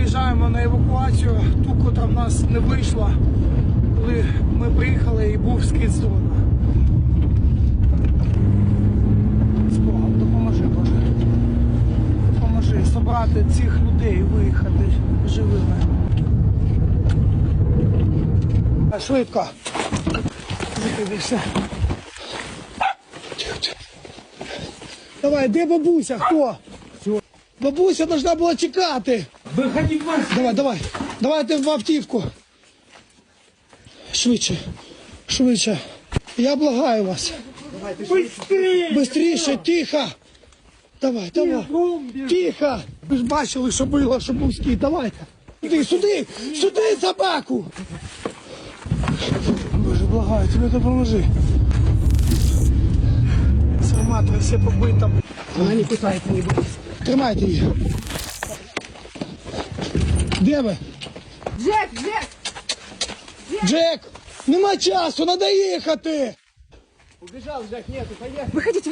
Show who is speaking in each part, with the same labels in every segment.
Speaker 1: виїжджаємо на евакуацію, ту, котра в нас не вийшла, коли ми приїхали і був скид з дрона. З Богом, допоможи, Боже. Допоможи собрати цих людей і виїхати живими. Швидко. Закидайся. Давай, де бабуся? Хто? Бабуся должна була чекати.
Speaker 2: Виходи в вас.
Speaker 1: Давай. Давайте в автівку. Швидше. Швидше. Я благаю вас.
Speaker 2: Быстрее.
Speaker 1: Бистріше, тихо. Давай. Тихо. Ви ж бачили, що було, що був скид. Давайте. Сюди собаку. Боже, благаю, тебе допоможи. Сарматори все побита.
Speaker 2: Вона не кусається, не буде.
Speaker 1: Тримайте її. Де ви? Джек! Нема часу, треба їхати!
Speaker 2: Убежал, Жак, нету, поехали.
Speaker 3: Выходите.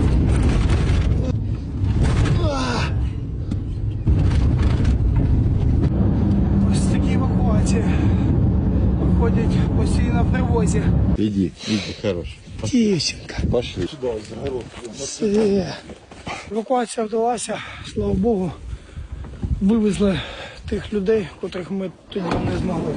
Speaker 1: Ось такі евакуації проходять постійно в тривозі.
Speaker 4: Иди, хорош.
Speaker 1: Дівчинка.
Speaker 4: Пошли.
Speaker 1: Все. Евакуація вдалася, слава Богу. Вивезли тих людей, котрих ми тоді не змогли.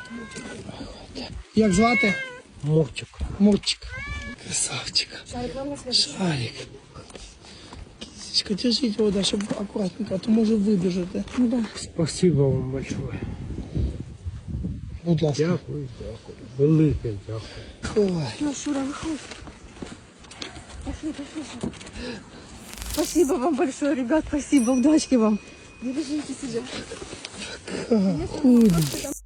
Speaker 1: Як звати?
Speaker 2: Мурчик.
Speaker 1: Мурчик. Красавчик. Шарик. Кисечка, держите его, да, чтобы аккуратненько, а то может выбежать, да? Ну да.
Speaker 2: Спасибо вам большое.
Speaker 1: Будь ласка.
Speaker 2: Дякую. Велике дякую.
Speaker 1: Ой.
Speaker 3: Ну, Шура, выходи. Пошли. Спасибо вам большое, ребят, спасибо, удачки вам. Бережите себя.
Speaker 1: Худо.